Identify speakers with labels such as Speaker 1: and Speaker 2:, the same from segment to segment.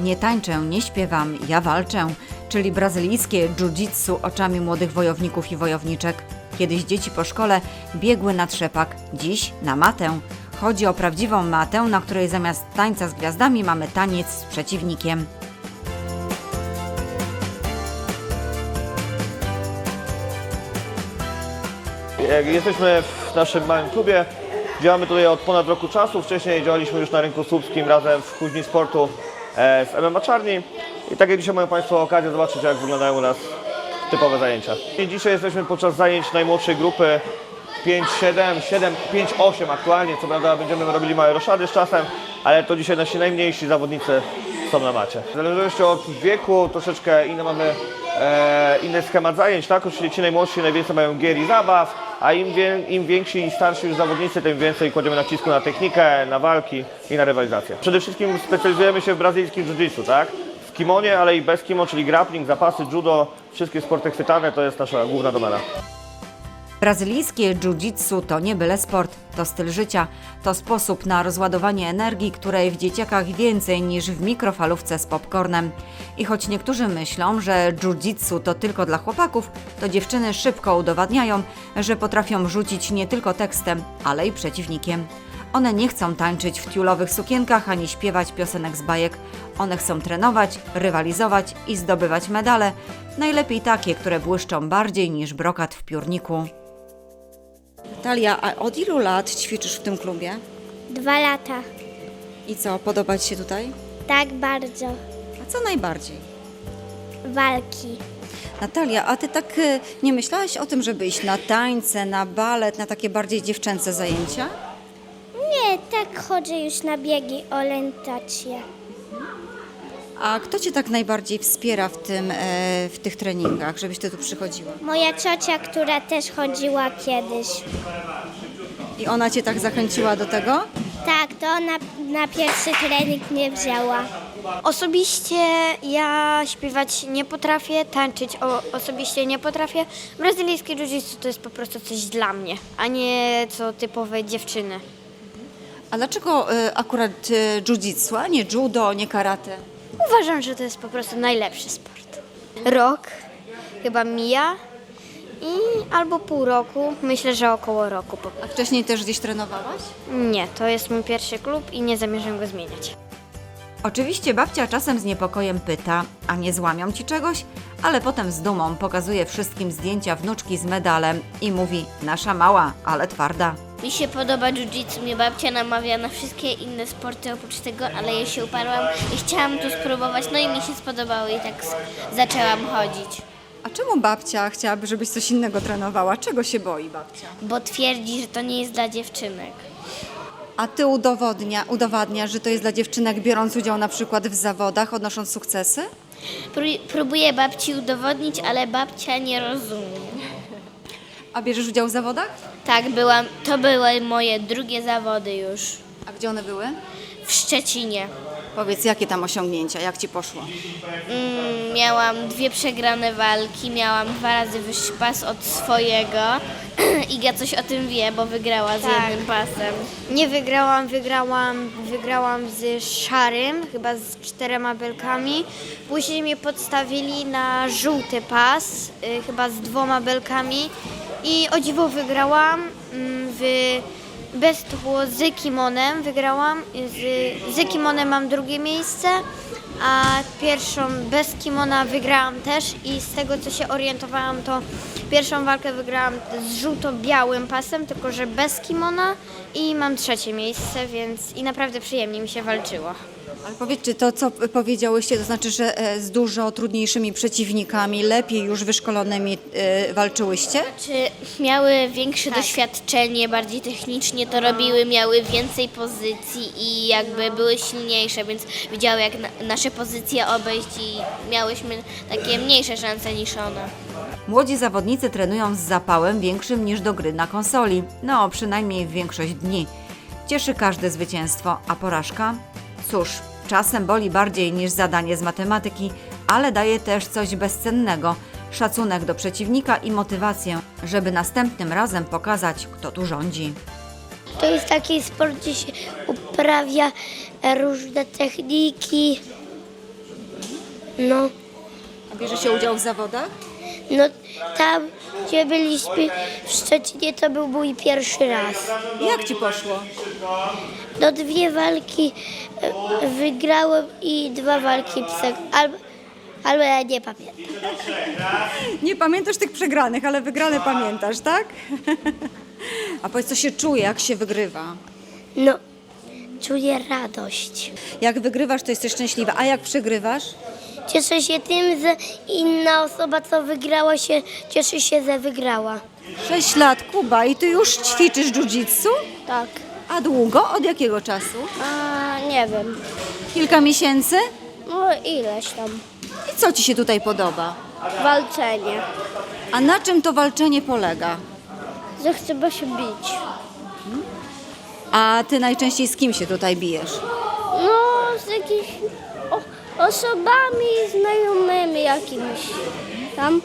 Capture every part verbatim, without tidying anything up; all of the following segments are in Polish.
Speaker 1: Nie tańczę, nie śpiewam, ja walczę, czyli brazylijskie jiu-jitsu oczami młodych wojowników i wojowniczek. Kiedyś dzieci po szkole biegły na trzepak, dziś na matę. Chodzi o prawdziwą matę, na której zamiast tańca z gwiazdami mamy taniec z przeciwnikiem.
Speaker 2: Jesteśmy w naszym małym klubie. Działamy tutaj od ponad roku czasu. Wcześniej działaliśmy już na rynku słupskim razem w Kuźni Sportu z M M A Czarni. I tak jak dzisiaj mają Państwo okazję zobaczyć, jak wyglądają u nas typowe zajęcia. I dzisiaj jesteśmy podczas zajęć najmłodszej grupy pięć siedem, siedem pięć osiem aktualnie. Co prawda będziemy robili małe roszady z czasem, ale to dzisiaj nasi najmniejsi zawodnicy są na macie. W zależności od wieku troszeczkę inny mamy e, inny schemat zajęć, tak? Czyli ci najmłodsi najwięcej mają gier i zabaw, a im, wie, im więksi i starsi już zawodnicy, tym więcej kładziemy nacisku na technikę, na walki i na rywalizację. Przede wszystkim specjalizujemy się w brazylijskim jiu-jitsu, tak? W kimonie, ale i bez kimo, czyli grappling, zapasy, judo, wszystkie sporty chwytane, to jest nasza główna domena.
Speaker 1: Brazylijskie jiu-jitsu to nie byle sport, to styl życia, to sposób na rozładowanie energii, której w dzieciakach więcej niż w mikrofalówce z popcornem. I choć niektórzy myślą, że jiu-jitsu to tylko dla chłopaków, to dziewczyny szybko udowadniają, że potrafią rzucić nie tylko tekstem, ale i przeciwnikiem. One nie chcą tańczyć w tiulowych sukienkach ani śpiewać piosenek z bajek. One chcą trenować, rywalizować i zdobywać medale, najlepiej takie, które błyszczą bardziej niż brokat w piórniku. Natalia, a od ilu lat ćwiczysz w tym klubie?
Speaker 3: Dwa lata.
Speaker 1: I co, podoba Ci się tutaj?
Speaker 3: Tak bardzo.
Speaker 1: A co najbardziej?
Speaker 3: Walki.
Speaker 1: Natalia, a Ty tak y, nie myślałaś o tym, żeby iść na tańce, na balet, na takie bardziej dziewczęce zajęcia?
Speaker 3: Nie, tak chodzę już na biegi, orientację.
Speaker 1: A kto Cię tak najbardziej wspiera w, tym, e, w tych treningach, żebyś Ty tu przychodziła?
Speaker 3: Moja ciocia, która też chodziła kiedyś.
Speaker 1: I ona Cię tak zachęciła do tego?
Speaker 3: Tak, to ona na pierwszy trening mnie wzięła.
Speaker 4: Osobiście ja śpiewać nie potrafię, tańczyć o, osobiście nie potrafię. Brazylijskie jiu-jitsu to jest po prostu coś dla mnie, a nie co typowe dziewczyny.
Speaker 1: A dlaczego e, akurat e, jiu-jitsu, a nie judo, nie karate?
Speaker 4: Uważam, że to jest po prostu najlepszy sport. Rok chyba mija i albo pół roku, myślę, że około roku po
Speaker 1: A
Speaker 4: prostu.
Speaker 1: wcześniej też gdzieś trenowałaś?
Speaker 4: Nie, to jest mój pierwszy klub i nie zamierzam go zmieniać.
Speaker 1: Oczywiście babcia czasem z niepokojem pyta, a nie złamią Ci czegoś? Ale potem z dumą pokazuje wszystkim zdjęcia wnuczki z medalem i mówi: nasza mała, ale twarda.
Speaker 5: Mi się podoba jiu-jitsu, mnie babcia namawia na wszystkie inne sporty oprócz tego, ale ja się uparłam i chciałam tu spróbować, no i mi się spodobało i tak s- zaczęłam chodzić.
Speaker 1: A czemu babcia chciałaby, żebyś coś innego trenowała? Czego się boi babcia?
Speaker 5: Bo twierdzi, że to nie jest dla dziewczynek.
Speaker 1: A Ty udowodnia, udowadniasz, że to jest dla dziewczynek, biorąc udział na przykład w zawodach, odnosząc sukcesy?
Speaker 5: Pró- próbuję babci udowodnić, ale babcia nie rozumie.
Speaker 1: A bierzesz udział w zawodach?
Speaker 5: Tak, byłam, to były moje drugie zawody już
Speaker 1: A gdzie one były?
Speaker 5: w Szczecinie.
Speaker 1: Powiedz, jakie tam osiągnięcia, jak Ci poszło?
Speaker 5: Mm, miałam dwie przegrane walki, miałam dwa razy wyższy pas od swojego. Iga coś o tym wie, bo wygrała z
Speaker 4: Tak.
Speaker 5: jednym pasem.
Speaker 4: Nie wygrałam, wygrałam, wygrałam z szarym, chyba z czterema belkami. Później mnie podstawili na żółty pas, y, chyba z dwoma belkami. I o dziwo wygrałam mm, w bez to było z kimonem, wygrałam. Z, z kimonem mam drugie miejsce, a pierwszą bez kimona wygrałam też i z tego co się orientowałam, to pierwszą walkę wygrałam z żółto-białym pasem, tylko że bez kimona i mam trzecie miejsce, więc i naprawdę przyjemnie mi się walczyło.
Speaker 1: Ale powiedz, czy to, co powiedziałyście, to znaczy, że e, z dużo trudniejszymi przeciwnikami, lepiej już wyszkolonymi e, walczyłyście?
Speaker 5: Czy miały większe doświadczenie, bardziej technicznie to robiły, miały więcej pozycji i jakby były silniejsze, więc wiedziały jak na, nasze pozycje obejść i miałyśmy takie mniejsze szanse niż one.
Speaker 1: Młodzi zawodnicy trenują z zapałem większym niż do gry na konsoli. No, przynajmniej w większość dni. Cieszy każde zwycięstwo, a porażka? Cóż, czasem boli bardziej niż zadanie z matematyki, ale daje też coś bezcennego. Szacunek do przeciwnika i motywację, żeby następnym razem pokazać, kto tu rządzi.
Speaker 3: To jest taki sport, gdzie się uprawia różne techniki No,
Speaker 1: A bierze się udział w zawodach?
Speaker 3: no tam, gdzie byliśmy w Szczecinie, to był mój pierwszy raz.
Speaker 1: Jak ci poszło?
Speaker 3: No dwie walki e, wygrałem i dwa walki psek, albo, albo ja nie pamiętam.
Speaker 1: Nie pamiętasz tych przegranych, ale wygrane pamiętasz, tak? A powiedz, co się czuje, jak się wygrywa?
Speaker 3: No, czuję radość.
Speaker 1: Jak wygrywasz, to jesteś szczęśliwa, a jak przegrywasz?
Speaker 3: Cieszę się tym, że inna osoba, co wygrała się, cieszy się, że wygrała.
Speaker 1: Sześć lat, Kuba, i ty już ćwiczysz jiu-jitsu?
Speaker 3: Tak.
Speaker 1: A długo? Od jakiego czasu?
Speaker 3: A, nie wiem.
Speaker 1: Kilka miesięcy?
Speaker 3: No ileś tam.
Speaker 1: I co ci się tutaj podoba?
Speaker 3: Walczenie.
Speaker 1: A na czym to walczenie polega?
Speaker 3: Że trzeba się bić.
Speaker 1: A ty najczęściej z kim się tutaj bijesz?
Speaker 3: No, z jakimiś o, osobami znajomymi jakimiś tam.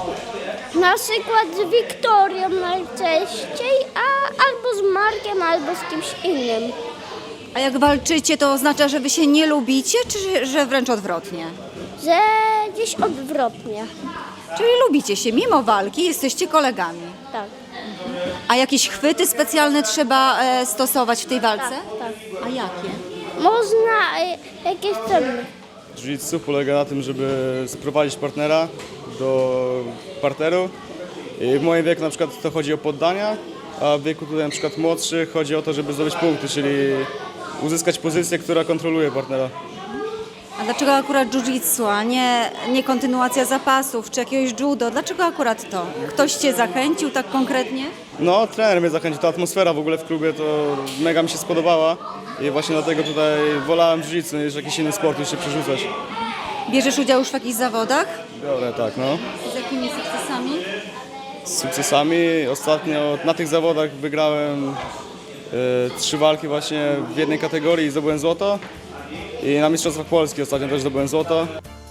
Speaker 3: Na przykład z Wiktorią najczęściej, a albo z Markiem, albo z kimś innym.
Speaker 1: A jak walczycie, to oznacza, że wy się nie lubicie, czy że wręcz odwrotnie?
Speaker 3: Że gdzieś odwrotnie.
Speaker 1: Czyli lubicie się, mimo walki jesteście kolegami.
Speaker 3: Tak,
Speaker 1: A jakieś chwyty specjalne trzeba e, stosować w tej walce?
Speaker 3: tak.
Speaker 1: A jakie?
Speaker 3: Można e, jakieś ceny.
Speaker 6: Jiu-jitsu polega na tym, żeby sprowadzić partnera do parteru. I w moim wieku na przykład to chodzi o poddania, a w wieku tutaj na przykład młodszych chodzi o to, żeby zdobyć punkty, czyli uzyskać pozycję, która kontroluje partnera.
Speaker 1: A dlaczego akurat jiu-jitsu, a nie, nie kontynuacja zapasów, czy jakiegoś judo? Dlaczego akurat to? Ktoś cię zachęcił tak konkretnie?
Speaker 6: No, trener mnie zachęcił, ta atmosfera w ogóle w klubie to mega mi się spodobała i właśnie dlatego tutaj wolałem jiu-jitsu niż jakiś inny sport, niż się przerzucać.
Speaker 1: Bierzesz udział już w jakichś zawodach?
Speaker 6: Biorę, tak, no.
Speaker 1: Z jakimi sukcesami?
Speaker 6: Z sukcesami ostatnio na tych zawodach wygrałem e, trzy walki właśnie w jednej kategorii i zdobyłem złoto. I na Mistrzostwach Polski ostatnio też zdobyłem złoto.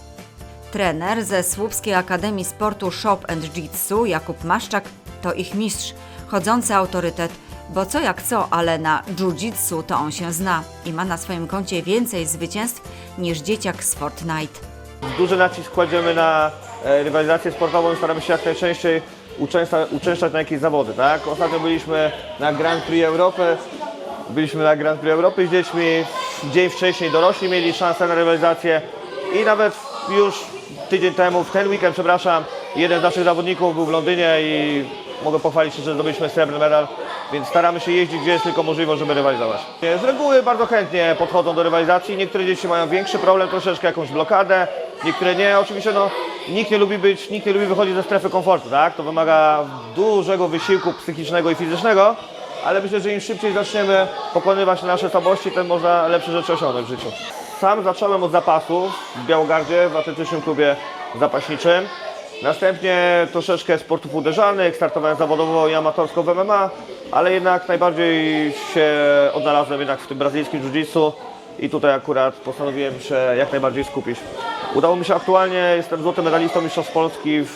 Speaker 1: Trener ze Słupskiej Akademii Sportu Shop and Jitsu Jakub Maszczak to ich mistrz, chodzący autorytet, bo co jak co, ale na jiu-jitsu to on się zna i ma na swoim koncie więcej zwycięstw niż dzieciak z Fortnite.
Speaker 2: Duży nacisk kładziemy na e, rywalizację sportową i staramy się jak najczęściej uczęszcza, uczęszczać na jakieś zawody, tak? Ostatnio byliśmy na Grand Prix Europy, byliśmy na Grand Prix Europy z dziećmi, dzień wcześniej dorośli mieli szansę na rywalizację i nawet już tydzień temu, w ten weekend, przepraszam, jeden z naszych zawodników był w Londynie i mogę pochwalić się, że zdobyliśmy srebrny medal, więc staramy się jeździć, gdzie jest tylko możliwość, żeby rywalizować. Z reguły bardzo chętnie podchodzą do rywalizacji, niektóre dzieci mają większy problem, troszeczkę jakąś blokadę, niektóre nie. Oczywiście no, nikt nie lubi być, nikt nie lubi wychodzić ze strefy komfortu, tak? To wymaga dużego wysiłku psychicznego i fizycznego, ale myślę, że im szybciej zaczniemy pokonywać nasze słabości, tym można lepsze rzeczy osiągnąć w życiu. Sam zacząłem od zapasów w Białogardzie, w atletycznym klubie zapaśniczym. Następnie troszeczkę sportów uderzanych, startowałem zawodowo i amatorsko w M M A, ale jednak najbardziej się odnalazłem jednak w tym brazylijskim jiu-jitsu i tutaj akurat postanowiłem się jak najbardziej skupić. Udało mi się aktualnie, jestem złotym medalistą Mistrzostw Polski w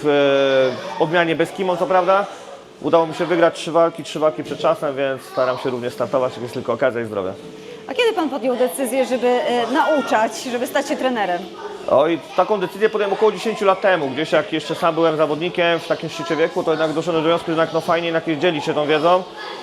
Speaker 2: e, odmianie bez kimon, co prawda. Udało mi się wygrać trzy walki, trzy walki przed czasem, więc staram się również startować, jak jest tylko okazja i zdrowie.
Speaker 1: A kiedy pan podjął decyzję, żeby e, nauczać, żeby stać się trenerem?
Speaker 2: Oj, taką decyzję podjąłem około dziesięć lat temu, gdzieś jak jeszcze sam byłem zawodnikiem w takim szczycie wieku, to jednak doszedłem do wniosku, że jednak no fajnie jednak dzielić się tą wiedzą.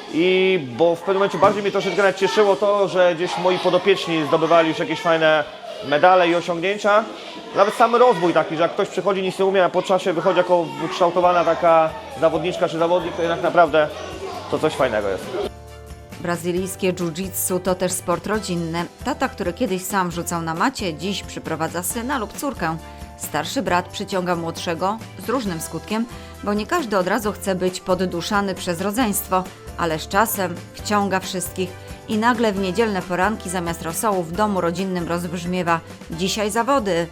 Speaker 2: I bo w pewnym momencie bardziej mnie troszeczkę nawet cieszyło to, że gdzieś moi podopieczni zdobywali już jakieś fajne medale i osiągnięcia. Nawet sam rozwój taki, że jak ktoś przychodzi, nic nie umie, a po czasie wychodzi jako wykształtowana taka zawodniczka czy zawodnik, to jednak naprawdę to coś fajnego jest.
Speaker 1: Brazylijskie jiu-jitsu to też sport rodzinny. Tata, który kiedyś sam rzucał na macie, dziś przyprowadza syna lub córkę. Starszy brat przyciąga młodszego z różnym skutkiem, bo nie każdy od razu chce być podduszany przez rodzeństwo, ale z czasem wciąga wszystkich i nagle w niedzielne poranki zamiast rosołu w domu rodzinnym rozbrzmiewa: dzisiaj zawody.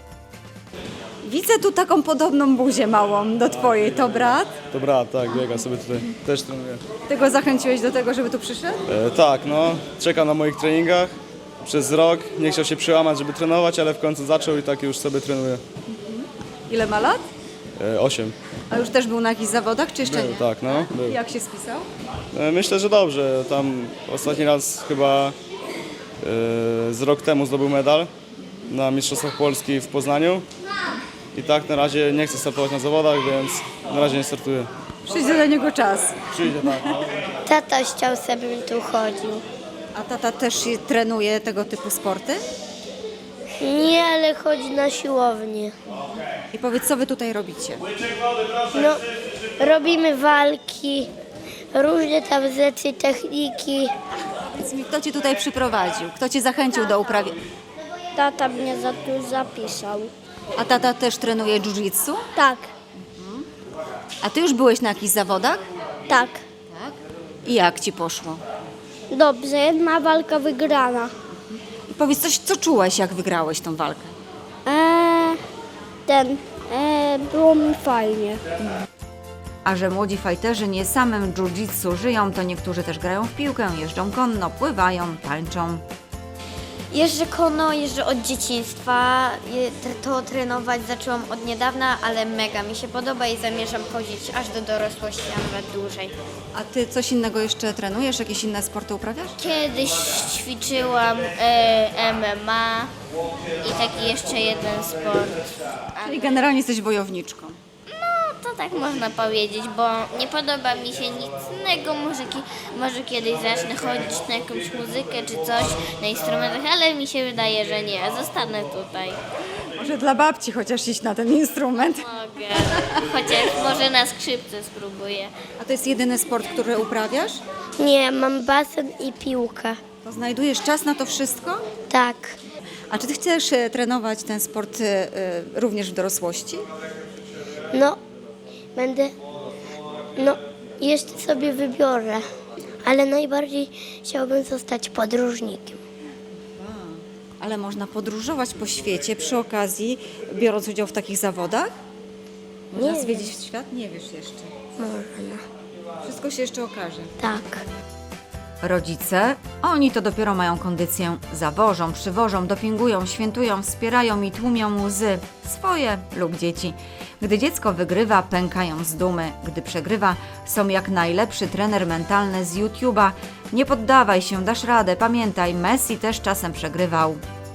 Speaker 1: Widzę tu taką podobną buzię małą do twojej, to brat?
Speaker 6: To brat, tak, biega sobie tutaj, też trenuje.
Speaker 1: Ty go zachęciłeś do tego, żeby tu przyszedł?
Speaker 6: E, tak, no, czekał na moich treningach przez rok, nie chciał się przełamać, żeby trenować, ale w końcu zaczął i tak już sobie trenuje.
Speaker 1: Ile ma lat?
Speaker 6: E, osiem.
Speaker 1: A już też był na jakichś zawodach, czy jeszcze
Speaker 6: Był,
Speaker 1: nie?
Speaker 6: tak, no, był.
Speaker 1: Jak się spisał?
Speaker 6: E, myślę, że dobrze, tam ostatni raz chyba e, z rok temu zdobył medal na Mistrzostwach Polski w Poznaniu I tak na razie nie chcę startować na zawodach, więc na razie nie startuję.
Speaker 1: Przyjdzie do niego czas.
Speaker 6: Przyjdzie tak, no.
Speaker 3: Tata chciał, żebym tu chodził.
Speaker 1: A tata też trenuje tego typu sporty?
Speaker 3: Nie, ale chodzi na siłownię.
Speaker 1: I powiedz, co wy tutaj robicie?
Speaker 3: No, robimy walki, różne tam rzeczy, techniki.
Speaker 1: Powiedz mi, kto cię tutaj przyprowadził? Kto cię zachęcił do uprawy?
Speaker 3: Tata mnie za tu zapisał.
Speaker 1: A tata też trenuje jiu-jitsu?
Speaker 3: Tak,
Speaker 1: A ty już byłeś na jakichś zawodach?
Speaker 3: tak.
Speaker 1: I jak ci poszło?
Speaker 3: Dobrze, jedna walka wygrana.
Speaker 1: I powiedz coś, co czułeś, jak wygrałeś tą walkę?
Speaker 3: Eee, ten, eee, było mi fajnie.
Speaker 1: A że młodzi fajterzy nie samym jiu-jitsu żyją, to niektórzy też grają w piłkę, jeżdżą konno, pływają, tańczą.
Speaker 4: Jeżdżę konno, jeżdżę od dzieciństwa. Je- To trenować zaczęłam od niedawna, ale mega mi się podoba i zamierzam chodzić aż do dorosłości, a nawet dłużej.
Speaker 1: A ty coś innego jeszcze trenujesz? Jakieś inne sporty uprawiasz?
Speaker 5: Kiedyś ćwiczyłam e, M M A i taki jeszcze jeden sport.
Speaker 1: Czyli generalnie jesteś wojowniczką.
Speaker 5: To tak można powiedzieć, bo nie podoba mi się nic innego. Może, ki- może kiedyś zacznę chodzić na jakąś muzykę czy coś, na instrumentach, ale mi się wydaje, że nie. Zostanę tutaj.
Speaker 1: Może dla babci chociaż iść na ten instrument.
Speaker 5: Mogę. Chociaż może na skrzypce spróbuję.
Speaker 1: A to jest jedyny sport, który uprawiasz?
Speaker 3: Nie, mam basen i piłkę.
Speaker 1: To znajdujesz czas na to wszystko?
Speaker 3: Tak.
Speaker 1: A czy ty chcesz e, trenować ten sport e, e, również w dorosłości?
Speaker 3: No, będę, no, jeszcze sobie wybiorę. Ale najbardziej chciałbym zostać podróżnikiem.
Speaker 1: Ale można podróżować po świecie przy okazji, biorąc udział w takich zawodach? Można
Speaker 3: Nie
Speaker 1: zwiedzić świat? Nie wiesz jeszcze.
Speaker 3: Można.
Speaker 1: Wszystko się jeszcze okaże.
Speaker 3: Tak.
Speaker 1: Rodzice, oni to dopiero mają kondycję. Zawożą, przywożą, dopingują, świętują, wspierają i tłumią łzy. Swoje lub dzieci. Gdy dziecko wygrywa, pękają z dumy. Gdy przegrywa, są jak najlepszy trener mentalny z YouTube'a. Nie poddawaj się, dasz radę. Pamiętaj, Messi też czasem przegrywał.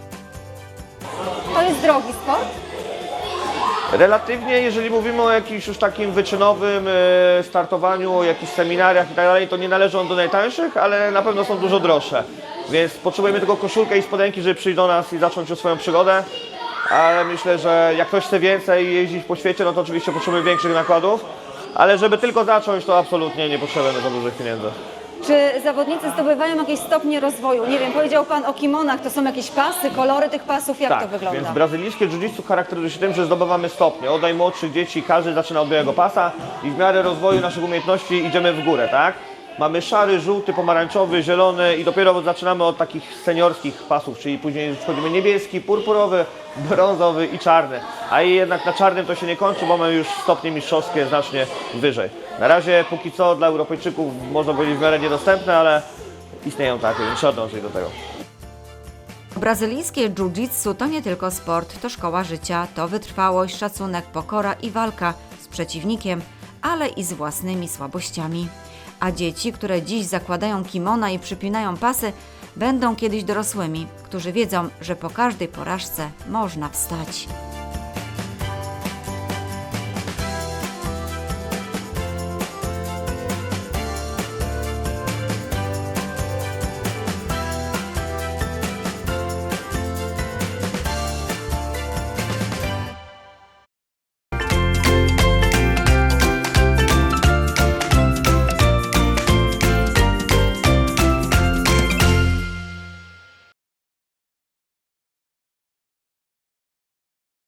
Speaker 1: To jest drogi sport?
Speaker 2: Relatywnie, jeżeli mówimy o jakimś już takim wyczynowym e, startowaniu, o jakichś seminariach i tak dalej, to nie należy on do najtańszych, ale na pewno są dużo droższe. Więc potrzebujemy tylko koszulkę i spodenki, żeby przyjść do nas i zacząć już swoją przygodę. Ale myślę, że jak ktoś chce więcej jeździć po świecie, no to oczywiście potrzebujemy większych nakładów. Ale żeby tylko zacząć, to absolutnie nie potrzebujemy za dużych pieniędzy.
Speaker 1: Czy zawodnicy zdobywają jakieś stopnie rozwoju? Nie wiem, powiedział Pan o kimonach, to są jakieś pasy, kolory tych pasów, jak to wygląda?
Speaker 2: Więc brazylijskie jiu-jitsu charakteryzuje się tym, że zdobywamy stopnie. Od najmłodszych dzieci każdy zaczyna od białego pasa i w miarę rozwoju naszych umiejętności idziemy w górę, tak? Mamy szary, żółty, pomarańczowy, zielony i dopiero zaczynamy od takich seniorskich pasów, czyli później wchodzimy niebieski, purpurowy, brązowy i czarny. A jednak na czarnym to się nie kończy, bo mamy już stopnie mistrzowskie znacznie wyżej. Na razie póki co dla Europejczyków można powiedzieć w miarę niedostępne, ale istnieją takie, więc trzeba dążyć do tego.
Speaker 1: Brazylijskie jiu-jitsu to nie tylko sport, to szkoła życia, to wytrwałość, szacunek, pokora i walka z przeciwnikiem, ale i z własnymi słabościami. A dzieci, które dziś zakładają kimona i przypinają pasy, będą kiedyś dorosłymi, którzy wiedzą, że po każdej porażce można wstać.